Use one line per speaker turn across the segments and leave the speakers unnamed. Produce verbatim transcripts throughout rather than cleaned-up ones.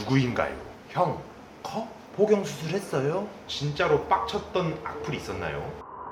누구인가요? 형, 커? 포경 수술했어요? 진짜로 빡쳤던 악플이 있었나요?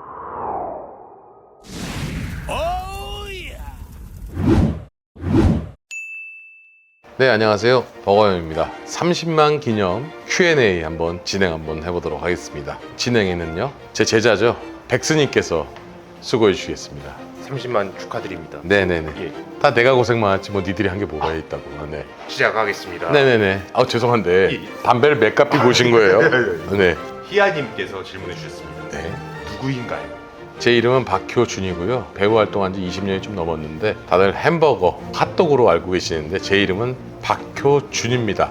네, 안녕하세요. 버거형입니다. 삼십만 기념 큐 앤 에이 한번 진행 한번 해보도록 하겠습니다. 진행에는요, 제 제자죠, 백스님께서 수고해 주시겠습니다.
삼십만 축하드립니다.
네네네.
예,
다 내가 고생 많았지 뭐 니들이 한 게 뭐가 있다고. 아, 네.
시작하겠습니다.
네네네. 아 죄송한데
예.
담배를 몇 갑비 보신 거예요? 네.
희아님께서 질문해 주셨습니다.
네.
누구인가요?
제 이름은 박효준이고요. 배우 활동한 지 이십 년이 좀 넘었는데 다들 햄버거, 핫도그로 알고 계시는데 제 이름은 박효준입니다.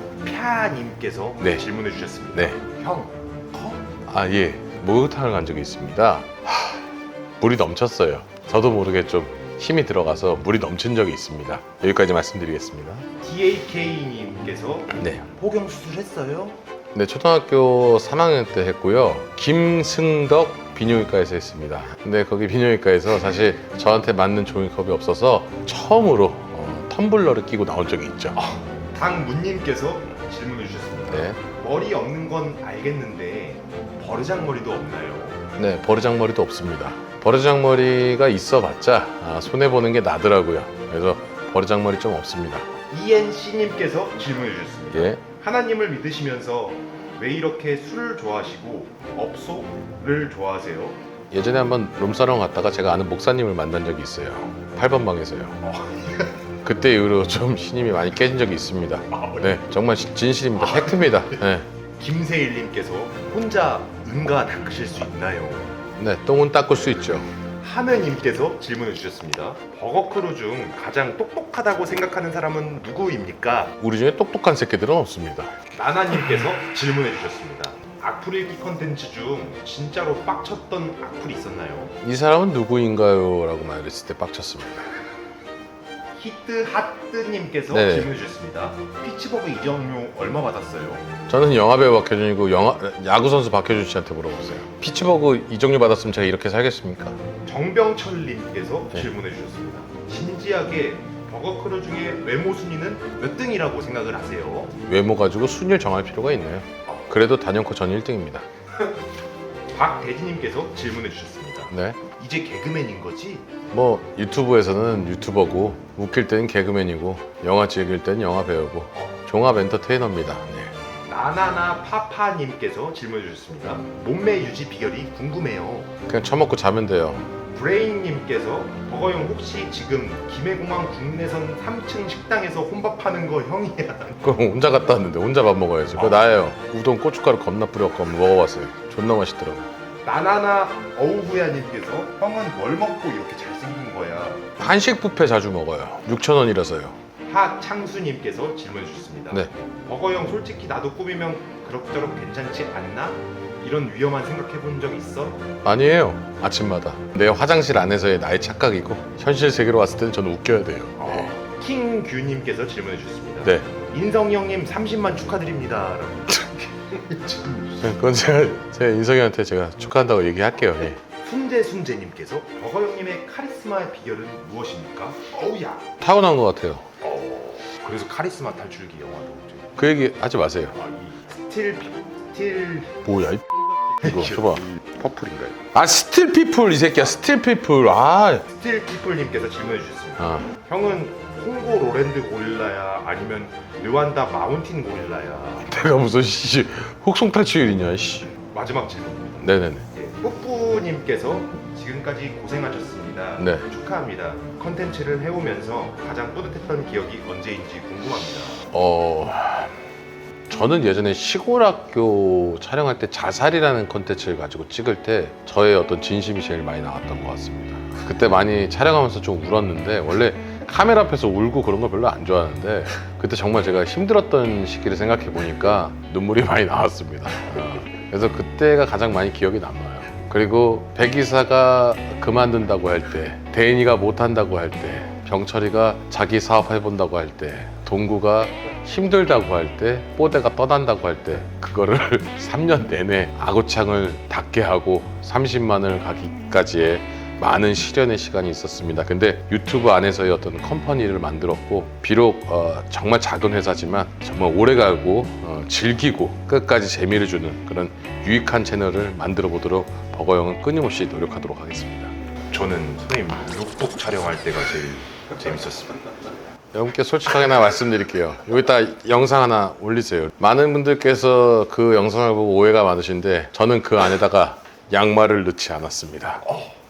펴님께서
네.
질문해 주셨습니다.
네.
형, 커?
아, 예. 목욕탕을 간 적이 있습니다. 하, 물이 넘쳤어요. 저도 모르게 좀 힘이 들어가서 물이 넘친 적이 있습니다. 여기까지 말씀드리겠습니다.
디 에이 케이님께서
네.
포경 수술했어요?
네, 초등학교 삼 학년 때 했고요. 김승덕 비뇨기과에서 했습니다. 근데 거기 비뇨기과에서 사실 저한테 맞는 종이컵이 없어서 처음으로 어, 텀블러를 끼고 나온 적이 있죠.
강문님께서 질문해 주셨습니다.
네.
머리 없는 건 알겠는데 버르장머리도 없나요?
네, 버르장머리도 없습니다. 버르장머리가 있어봤자 아, 손해보는 게 나더라고요. 그래서 버르장머리 좀 없습니다.
이엔씨님께서 질문해 주셨습니다.
예.
하나님을 믿으시면서 왜 이렇게 술을 좋아하시고 업소를 좋아하세요?
예전에 한번 룸사롱 갔다가 제가 아는 목사님을 만난 적이 있어요. 팔 번 방에서요. 그때 이후로 좀 신임이 많이 깨진 적이 있습니다. 네, 정말 시- 진실입니다. 팩트입니다. 네.
김세일님께서 혼자 응가 닦으실 수 있나요?
네, 똥은 닦을 수 있죠.
하느님께서 질문해 주셨습니다. 버거크루 중 가장 똑똑하다고 생각하는 사람은 누구입니까?
우리 중에 똑똑한 새끼들은 없습니다.
나나님께서 질문해 주셨습니다. 악플 읽기 컨텐츠 중 진짜로 빡쳤던 악플이 있었나요?
이 사람은 누구인가요? 라고 말했을 때 빡쳤습니다.
히트 하트님께서
네.
질문해 주셨습니다. 피치버그 이정료 얼마 받았어요?
저는 영화배우 박효준이고 영화, 야구선수 박효준 씨한테 물어보세요. 피츠버그 이적료 받았으면 제가 이렇게 살겠습니까?
정병철님께서
네.
질문해 주셨습니다. 진지하게 버거크루 중에 외모 순위는 몇 등이라고 생각을 하세요?
외모 가지고 순위를 정할 필요가 있나요? 그래도 단연코 전 일 등입니다.
박대진님께서 질문해 주셨습니다.
네.
이제 개그맨인 거지?
뭐 유튜브에서는 유튜버고 웃길 때는 개그맨이고 영화 찍을 때는 영화 배우고 종합 엔터테이너입니다. 네.
나나나 파파님께서 질문해 주셨습니다. 몸매 유지 비결이 궁금해요.
그냥 처먹고 자면 돼요.
브레인님께서 버거형 혹시 지금 김해공항 국내선 삼 층 식당에서 혼밥하는 거 형이야?
그럼 혼자 갔다 왔는데 혼자 밥 먹어야지. 그거 나예요. 우동 고춧가루 겁나 뿌렸고 한번 먹어봤어요. 존나 맛있더라고.
나나나 어우부야님께서 형은 뭘 먹고 이렇게 잘생긴 거야?
한식 뷔페 자주 먹어요. 육천 원이라서요.
하창수님께서 질문해 주셨습니다.
네.
버거형 솔직히 나도 꾸미면 그럭저럭 괜찮지 않나? 이런 위험한 생각해 본 적 있어?
아니에요. 아침마다 내 화장실 안에서의 나의 착각이고 현실 세계로 왔을 때는 저는 웃겨야 돼요. 네.
킹규님께서 질문해 주셨습니다.
네.
인성이 형님 삼십만 축하드립니다. 라고.
그건 제가 제 인성이한테 제가 축하한다고 얘기할게요. 예.
순재순재님께서 버거 형님의 카리스마의 비결은 무엇입니까? 어우야.
타고난 것 같아요.
어, 그래서 카리스마 탈출기 영화도 이제
그 얘기 하지 마세요.
아, 이 스틸 스틸
뭐야 이 이거 줘봐.
퍼플인가요?
아 스틸 피플 이 새끼야. 스틸 피플. 아.
스틸 피플님께서 질문해 주셨습니다.
아.
형은 홍고 로랜드 고릴라야 아니면 르완다 마운틴 고릴라야?
내가 무슨 씨 혹송 탈출이냐 씨.
마지막 질문입니다.
네네네.
예, 뿌뿌님께서 지금까지 고생하셨습니다.
네.
축하합니다. 컨텐츠를 해오면서 가장 뿌듯했던 기억이 언제인지 궁금합니다.
어 저는 예전에 시골 학교 촬영할 때 자살이라는 콘텐츠를 가지고 찍을 때 저의 어떤 진심이 제일 많이 나왔던 것 같습니다. 그때 많이 촬영하면서 좀 울었는데 원래 카메라 앞에서 울고 그런 걸 별로 안 좋아하는데 그때 정말 제가 힘들었던 시기를 생각해 보니까 눈물이 많이 나왔습니다. 어, 그래서 그때가 가장 많이 기억이 남아요. 그리고 백이사가 그만둔다고 할 때, 대인이가 못한다고 할 때, 병철이가 자기 사업 해본다고 할 때, 동구가 힘들다고 할 때, 뽀대가 떠난다고 할 때 그거를 삼 년 내내 아구창을 닫게 하고 삼십만을 가기까지의 많은 시련의 시간이 있었습니다. 근데 유튜브 안에서의 어떤 컴퍼니를 만들었고 비록 어, 정말 작은 회사지만 정말 오래가고 어, 즐기고 끝까지 재미를 주는 그런 유익한 채널을 만들어 보도록 버거영은 끊임없이 노력하도록 하겠습니다.
저는 선생님 룩북 촬영할 때가 제일 재밌었습니다.
여러분께 솔직하게 하나 말씀드릴게요. 여기다 영상 하나 올리세요. 많은 분들께서 그 영상을 보고 오해가 많으신데 저는 그 안에다가 양말을 넣지 않았습니다.
어,